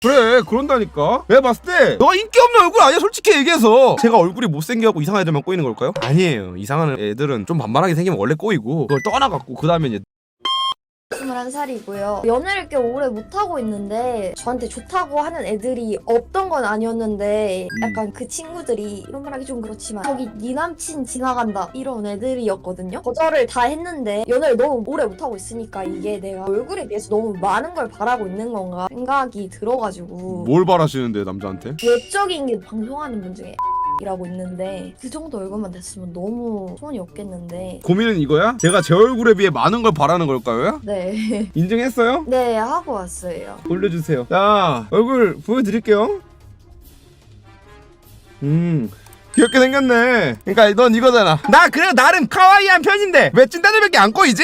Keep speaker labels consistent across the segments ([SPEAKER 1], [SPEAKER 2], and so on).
[SPEAKER 1] 그래 그런다니까. 내가 봤을 때 너가 인기 없는 얼굴 아니야 솔직히 얘기해서. 제가 얼굴이 못생겨갖고 이상한 애들만 꼬이는 걸까요? 아니에요. 이상한 애들은 좀 반반하게 생기면 원래 꼬이고 그걸 떠나갖고 그 다음에 이제
[SPEAKER 2] 21살이고요. 연애를 꽤 오래 못하고 있는데 저한테 좋다고 하는 애들이 없던 건 아니었는데 약간 그 친구들이 이런 말 하기 좀 그렇지만 저기 네 남친 지나간다 이런 애들이었거든요. 거절을 다 했는데 연애를 너무 오래 못하고 있으니까 이게 내가 얼굴에 비해서 너무 많은 걸 바라고 있는 건가 생각이 들어가지고.
[SPEAKER 1] 뭘 바라시는데 남자한테?
[SPEAKER 2] 외적인 게 방송하는 분 중에 이라고 있는데 그 정도 얼굴만 됐으면 너무 소원이 없겠는데.
[SPEAKER 1] 고민은 이거야? 제가 제 얼굴에 비해 많은 걸 바라는 걸까요?
[SPEAKER 2] 네.
[SPEAKER 1] 인증했어요?
[SPEAKER 2] 네, 하고 왔어요.
[SPEAKER 1] 올려주세요. 자 얼굴 보여드릴게요. 귀엽게 생겼네. 그러니까 넌 이거잖아. 나 그래도 나름 카와이한 편인데 왜 찐따들밖에 안 꼬이지?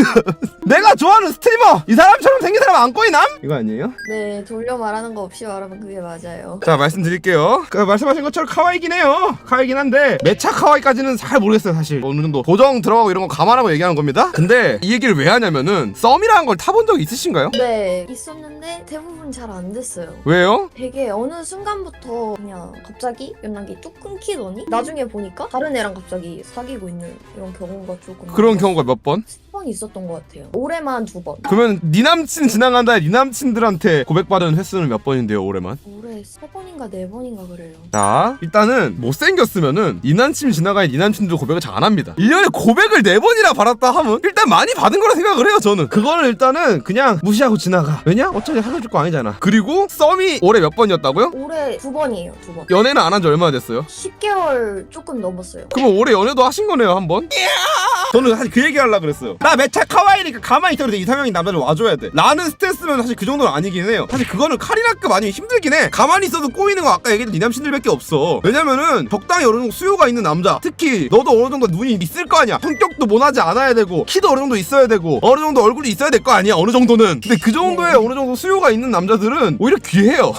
[SPEAKER 1] 내가 좋아하는 스트리머 이 사람처럼 생긴 사람 안 꼬이남? 이거 아니에요?
[SPEAKER 2] 네, 돌려 말하는 거 없이 말하면 그게 맞아요.
[SPEAKER 1] 자 말씀드릴게요. 그 말씀하신 것처럼 카와이긴 해요. 카와이긴 한데 매차 카와이까지는 잘 모르겠어요 사실. 어느 정도 고정 들어가고 이런 거 감안하고 얘기하는 겁니다. 근데 이 얘기를 왜 하냐면은 썸이라는 걸 타본 적 있으신가요?
[SPEAKER 2] 네, 있었는데 대부분 잘 안 됐어요.
[SPEAKER 1] 왜요?
[SPEAKER 2] 되게 어느 순간부터 그냥 갑자기 연락이 뚝 끊기더니 나중에 보니까 다른 애랑 갑자기 사귀고 있는 이런 경우가 조금
[SPEAKER 1] 그런 경우가 몇 번?
[SPEAKER 2] 10번 있었던 것 같아요. 올해만 2번.
[SPEAKER 1] 그러면 네 남친 지나간다에 네 남친들한테 고백받은 횟수는 몇 번인데요 올해만?
[SPEAKER 2] 올해 3번인가 4번인가 그래요.
[SPEAKER 1] 자 일단은 못생겼으면은 네 남친 지나가야 네 남친도 고백을 잘 안 합니다. 1년에 고백을 4번이나 받았다 하면 일단 많이 받은 거라 생각을 해요 저는. 그거는 일단은 그냥 무시하고 지나가. 왜냐? 어차피 사귀어줄 거 아니잖아. 그리고 썸이 올해 몇 번이었다고요?
[SPEAKER 2] 올해 2번이에요. 2번.
[SPEAKER 1] 연애는 안 한 지 얼마나 됐어요?
[SPEAKER 2] 10개월 조금 넘었어요.
[SPEAKER 1] 그러면 올해 연애도 하신 거네요 한 번? 저는 사실 그 얘기 하려고 그랬어요. 나 매차 카와이니까 가만히 있어도 돼. 이상형인 남자를 와줘야 돼 라는 스탠스면 사실 그 정도는 아니긴 해요. 사실 그거는 카리나급 아니면 힘들긴 해. 가만히 있어도 꼬이는 거 아까 얘기했던 네 남친들밖에 없어. 왜냐면은 적당히 어느 정도 수요가 있는 남자, 특히 너도 어느 정도 눈이 있을 거 아니야. 성격도 모나지 않아야 되고 키도 어느 정도 있어야 되고 어느 정도 얼굴이 있어야 될 거 아니야 어느 정도는. 근데 그 정도의 어느 정도 수요가 있는 남자들은 오히려 귀해요.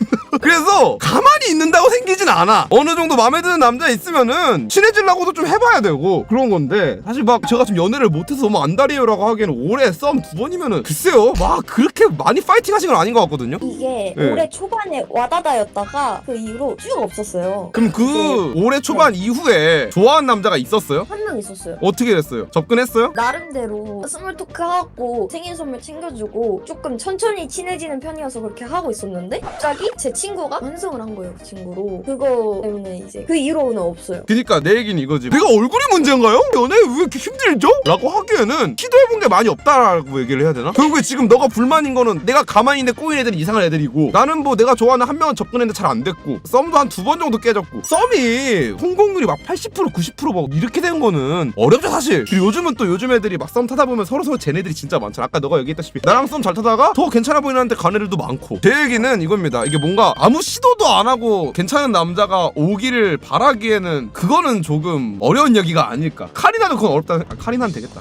[SPEAKER 1] 그래서 가만히 있는다고 생기진 않아. 어느 정도 마음에 드는 남자 있으면은 친해지려고도 좀 해봐야 되고 그런 건데, 사실 막 제가 지금 연애를 못해서 너무 안달이에요라고 하기에는 올해 썸 2번이면은 글쎄요 막 그렇게 많이 파이팅 하신 건 아닌 것 같거든요.
[SPEAKER 2] 이게
[SPEAKER 1] 네.
[SPEAKER 2] 올해 초반에 와다다였다가 그 이후로 쭉 없었어요.
[SPEAKER 1] 그럼 그 올해 초반 이후에 좋아하는 남자가 있었어요?
[SPEAKER 2] 한 명 있었어요.
[SPEAKER 1] 어떻게 됐어요? 접근했어요?
[SPEAKER 2] 나름대로 스몰 토크 하고 생일 선물 챙겨주고 조금 천천히 친해지는 편이어서 그렇게 하고 있었는데 갑자기 제 친구가 환승을 한 거예요. 그 친구로. 그거 때문에 이제 그 이후로는 없어요.
[SPEAKER 1] 그니까 내 얘기는 이거지. 내가 얼굴이 문제인가요? 연애 왜 이렇게 힘들죠? 라고 하기에는 시도해본 게 많이 없다라고 얘기를 해야 되나? 결국에 지금 너가 불만인 거는 내가 가만히 있는데 꼬인 애들이 이상한 애들이고, 나는 뭐 내가 좋아하는 한 명은 접근했는데 잘 안 됐고, 썸도 한 2번 정도 깨졌고, 썸이 성공률이 막 80% 90% 막 이렇게 된 거는 어렵죠 사실. 그리고 요즘은 또 요즘 애들이 막 썸 타다 보면 서로서로 쟤네들이 진짜 많잖아. 아까 너가 얘기했다시피 나랑 썸 잘 타다가 더 괜찮아 보이는 애한테 간 애들도 많고. 제 얘기는 이겁니다. 이게 뭔가 아무 시도도 안 하고 괜찮은 남자가 오기를 바라기에는 그거는 조금 어려운 얘기가 아닐까. 카리나는 그건 어렵다. 아, 카리나는 되겠다.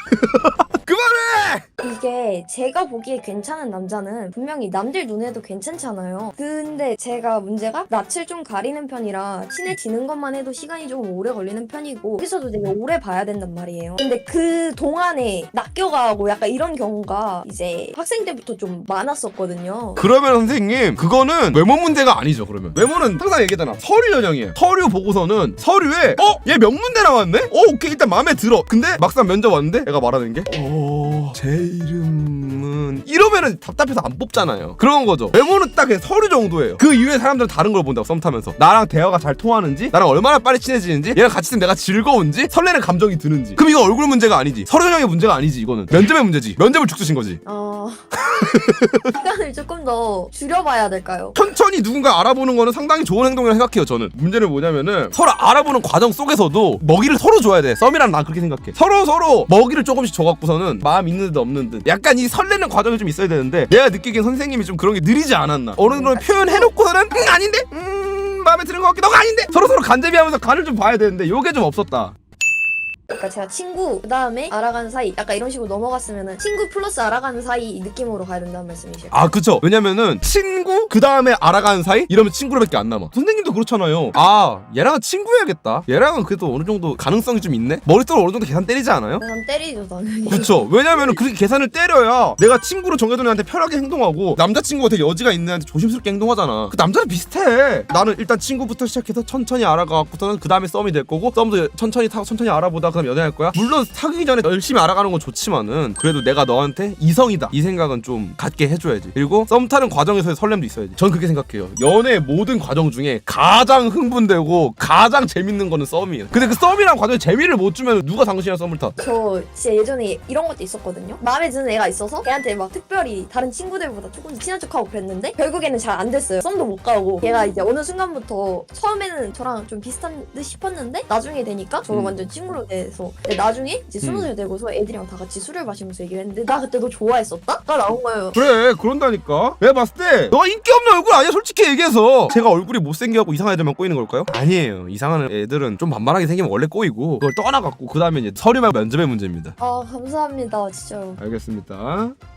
[SPEAKER 1] 그만해!
[SPEAKER 2] 이게 제가 보기에 괜찮은 남자는 분명히 남들 눈에도 괜찮잖아요. 근데 제가 문제가 낯을 좀 가리는 편이라 친해지는 것만 해도 시간이 조금 오래 걸리는 편이고 여기서도 되게 오래 봐야 된단 말이에요. 근데 그 동안에 낚여가고 약간 이런 경우가 이제 학생 때부터 좀 많았었거든요.
[SPEAKER 1] 그러면 선생님 그거는 외모 문제가 아니죠. 그러면 외모는 항상 얘기하잖아. 서류 전형이에요. 서류 보고서는 서류에 얘 명문대 나왔네? 오케이 일단 마음에 들어. 근데 막상 면접 왔는데 애가 말하는 게 제 이름은 이러면은 답답해서 안 뽑잖아요. 그런 거죠. 외모는 딱 그냥 서류 정도예요. 그 이후에 사람들은 다른 걸 본다고. 썸 타면서 나랑 대화가 잘 통하는지, 나랑 얼마나 빨리 친해지는지, 얘랑 같이 있으면 내가 즐거운지, 설레는 감정이 드는지. 그럼 이거 얼굴 문제가 아니지. 서류 전형의 문제가 아니지. 이거는 면접의 문제지. 면접을 죽쓰신 거지.
[SPEAKER 2] 시간을 조금 더 줄여봐야 될까요?
[SPEAKER 1] 천천히 누군가 알아보는 거는 상당히 좋은 행동이라고 생각해요. 저는 문제는 뭐냐면은 서로 알아보는 과정 속에서도 먹이를 서로 줘야 돼. 썸이란 난 그렇게 생각해. 서로 먹이를 조금씩 줘갖고서는 마음 있는 듯 없는 듯 약간 이 설레는 과정이 좀 있어야 되는데, 내가 느끼기엔 선생님이 좀 그런 게 느리지 않았나. 어느 정도 표현해놓고서는 아닌데? 마음에 드는 것 같기도 하고 아닌데? 서로 간제비하면서 간을 좀 봐야 되는데 요게 좀 없었다.
[SPEAKER 2] 그러니까 제가 친구 그 다음에 알아가는 사이 약간 이런 식으로 넘어갔으면은 친구 플러스 알아가는 사이 느낌으로 가야 된다는 말씀이시죠?
[SPEAKER 1] 아 그쵸. 왜냐면은 친구 그 다음에 알아가는 사이 이러면 친구로밖에 안 남아. 선생님도 그렇잖아요. 아 얘랑은 친구해야겠다. 얘랑은 그래도 어느 정도 가능성이 좀 있네. 머릿속으로 어느 정도 계산 때리지 않아요?
[SPEAKER 2] 난 때리죠 당연히.
[SPEAKER 1] 그쵸. 왜냐면은 그렇게 계산을 때려야 내가 친구로 정해둔 애한테 편하게 행동하고 남자친구가 되게 여지가 있는 애한테 조심스럽게 행동하잖아. 그 남자는 비슷해. 나는 일단 친구부터 시작해서 천천히 알아가고서는 그 다음에 썸이 될 거고 썸도 천천히 타고 천천히 알아보다 그 다음에 연애할 거야. 물론 사귀기 전에 열심히 알아가는 건 좋지만은 그래도 내가 너한테 이성이다 이 생각은 좀 갖게 해줘야지. 그리고 썸 타는 과정에서의 설렘도 있어야지. 전 그렇게 생각해요. 연애 모든 과정 중에 가장 흥분되고 가장 재밌는 거는 썸이에요. 근데 그 썸이란 과정에 재미를 못 주면 누가 당신이랑 썸을 타?
[SPEAKER 2] 저 진짜 예전에 이런 것도 있었거든요. 마음에 드는 애가 있어서 걔한테 막 특별히 다른 친구들보다 조금 친한 척하고 그랬는데 결국에는 잘 안 됐어요. 썸도 못 가고 걔가 이제 어느 순간부터 처음에는 저랑 좀 비슷한 듯 싶었는데 나중에 되니까 저를 완전 친구로 돼서 근데 나중에 이제 20살 되고서 애들이랑 다 같이 술을 마시면서 얘기를 했는데 나 그때 너 좋아했었다? 가 나온 거예요.
[SPEAKER 1] 그래 그런다니까. 내가 봤을 때 너가 인기 없는 얼굴 아니야 솔직히 얘기해서. 제가 얼굴이 못생겨갖고 이상한 애들만 꼬이는 걸까요? 아니에요. 이상한 애들은 좀 반반하게 생기면 원래 꼬이고 그걸 떠나갖고 그 다음에 이제 서류 말고 면접의 문제입니다.
[SPEAKER 2] 아 감사합니다 진짜로.
[SPEAKER 1] 알겠습니다.